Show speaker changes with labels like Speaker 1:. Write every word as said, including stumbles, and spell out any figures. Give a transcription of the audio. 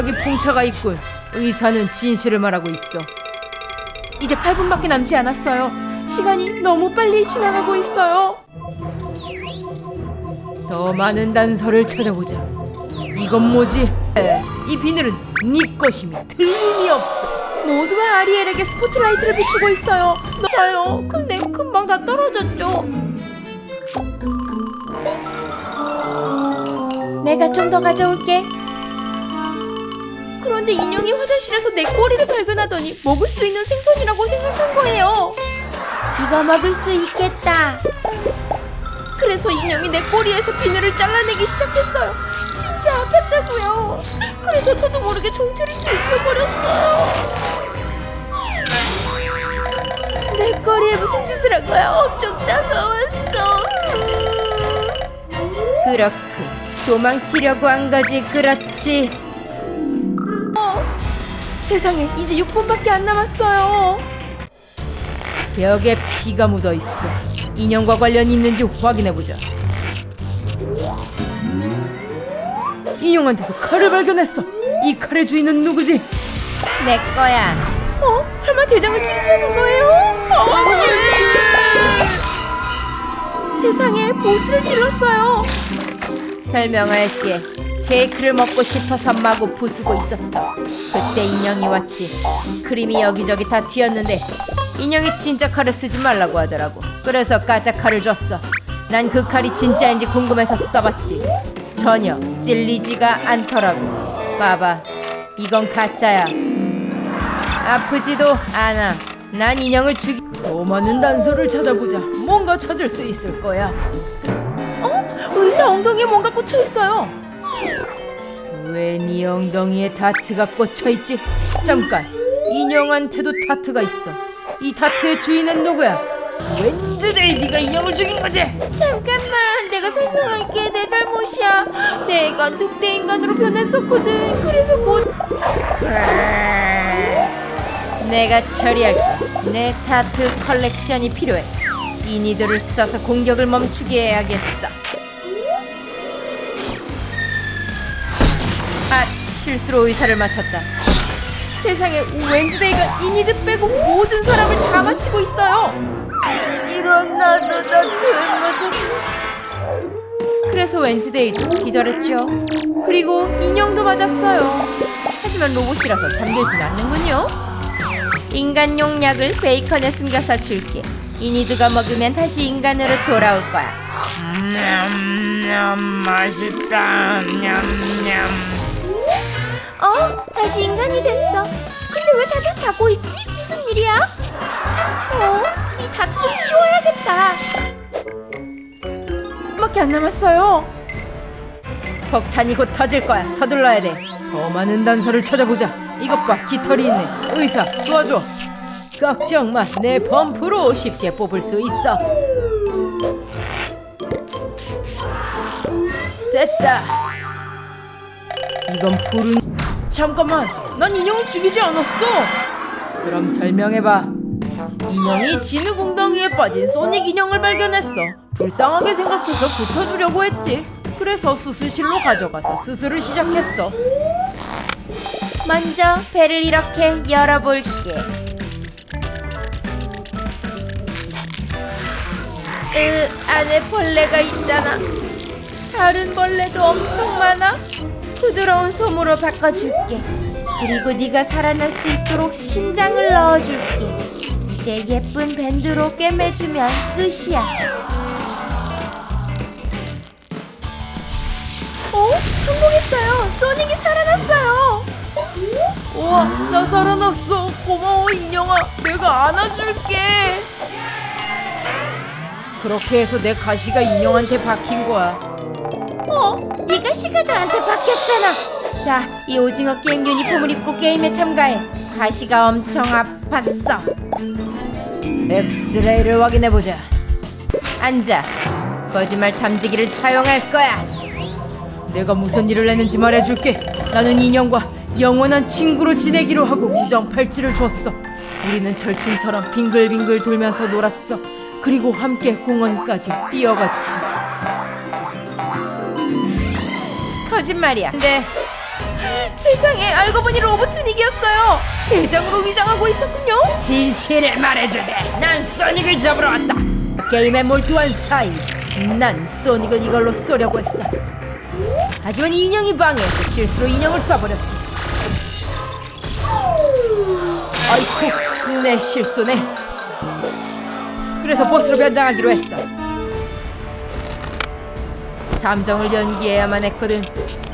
Speaker 1: 여기 풍차가 있군. 의사는 진실을 말하고 있어. 이제 팔 분밖에 남지 않았어요. 시간이 너무 빨리 지나가고 있어요. 더 많은 단서를 찾아보자. 이건 뭐지? 에, 이 비늘은 네 것임이 틀림이 없어. 모두가 아리엘에게 스포트라이트를 비추고 있어요. 맞아요. 근데 금방 다 떨어졌죠. 내가 좀 더 가져올게. 그런데 인형이 화장실에서 내 꼬리를 발견하더니 먹을 수 있는 생선이라고 생각한 거예요. 이거 먹을 수 있겠다. 그래서 인형이 내 꼬리에서 비늘을 잘라내기 시작했어요. 진짜 아팠다고요. 그래서 저도 모르게 종체를 들켜버렸어요. 내 꼬리에 무슨 짓을 한 거야? 엄청 따가웠어. 그렇군. 도망치려고 한 거지. 그렇지. 어, 세상에 이제 육 분밖에 안 남았어요. 벽에 피가 묻어있어. 인형과 관련이 있는지 확인해보자. 인형한테서 칼을 발견했어. 이 칼의 주인은 누구지? 내 거야. 어? 설마 대장을 찌르려는 거예요? 어, 네. 세상에 보스를 찔렀어요. 설명할게. 케이크를 먹고 싶어서 마구 부수고 있었어. 그때 인형이 왔지. 크림이 여기저기 다 튀었는데 인형이 진짜 칼을 쓰지 말라고 하더라고. 그래서 가짜 칼을 줬어. 난 그 칼이 진짜인지 궁금해서 써봤지. 전혀 찔리지가 않더라고. 봐봐, 이건 가짜야. 아프지도 않아. 난 인형을 죽이... 더 많은 단서를 찾아보자. 뭔가 찾을 수 있을 거야. 어? 의사 엉덩이에 뭔가 꽂혀있어요. 왜 네 엉덩이에 다트가 꽂혀있지? 잠깐, 인형한테도 다트가 있어. 이 다트의 주인은 누구야? 웬즈데이, 네가 인형을 죽인 거지? 잠깐만, 내가 설명할게. 내 잘못이야. 내가 늑대 인간으로 변했었거든. 그래서 못... 내가 처리할게. 내 다트 컬렉션이 필요해. 이 니들을 써서 공격을 멈추게 해야겠어. 아, 실수로 의사를 맞췄다. 세상에, 웬즈데이가 이 니들 빼고 모든 사람을 다 맞히고 있어요. 이, 이런 나도 다트 맞았어. 그래서 웬즈데이도 기절했죠. 그리고 인형도 맞았어요. 하지만 로봇이라서 잠들진 않는군요. 인간용 약을 베이컨에 숨겨서 줄게. 이니드가 먹으면 다시 인간으로 돌아올 거야.
Speaker 2: 냠냠 맛있다. 냠냠.
Speaker 3: 어? 다시 인간이 됐어. 근데 왜 다들 자고 있지? 무슨 일이야? 어? 이 다트 좀 치워야겠다.
Speaker 1: 밖에 안 남았어요. 폭탄이 곧 터질 거야. 서둘러야 돼. 더 많은 단서를 찾아보자. 이것 봐, 깃털이 있네. 의사, 도와줘. 걱정 마. 내 펌프로 쉽게 뽑을 수 있어. 됐다. 이건 푸른... 잠깐만, 난 인형을 죽이지 않았어. 그럼 설명해봐. 인형이 진흙 웅덩이에 빠진 소닉 인형을 발견했어. 불쌍하게 생각해서 고쳐주려고 했지. 그래서 수술실로 가져가서 수술을 시작했어.
Speaker 3: 먼저 배를 이렇게 열어볼게.
Speaker 1: 으, 안에 벌레가 있잖아. 다른 벌레도 엄청 많아.
Speaker 3: 부드러운 솜으로 바꿔줄게. 그리고 네가 살아날 수 있도록 심장을 넣어줄게. 이제 예쁜 밴드로 꿰매주면 끝이야.
Speaker 1: 어? 성공했어요. 소닉이 살아났어요. 우와, 나 살아났어. 고마워 인형아. 내가 안아줄게. 그렇게 해서 내 가시가 인형한테 박힌 거야.
Speaker 3: 어? 네 가시가 나한테 바뀌었잖아. 자, 이 오징어 게임 유니폼을 입고 게임에 참가해. 가시가 엄청 아팠어.
Speaker 1: 엑스레이를 확인해보자. 앉아. 거짓말 탐지기를 사용할 거야. 내가 무슨 일을 했는지 말해줄게. 나는 인형과 영원한 친구로 지내기로 하고 우정 팔찌를 줬어. 우리는 절친처럼 빙글빙글 돌면서 놀았어. 그리고 함께 공원까지 뛰어갔지. 거짓말이야. 근데
Speaker 3: 세상에, 알고 보니 로보트닉이었어요. 대장으로 위장하고 있었군요.
Speaker 1: 진실을 말해주지. 난 소닉을 잡으러 왔다. 게임에 몰두한 사이 난 소닉을 이걸로 쏘려고 했어. 하지만 인형이 방해해서 실수로 인형을 쏴버렸지. 아이쿠, 내 실수네. 그래서 보스로 변장하기로 했어. 감정을 연기해야만 했거든.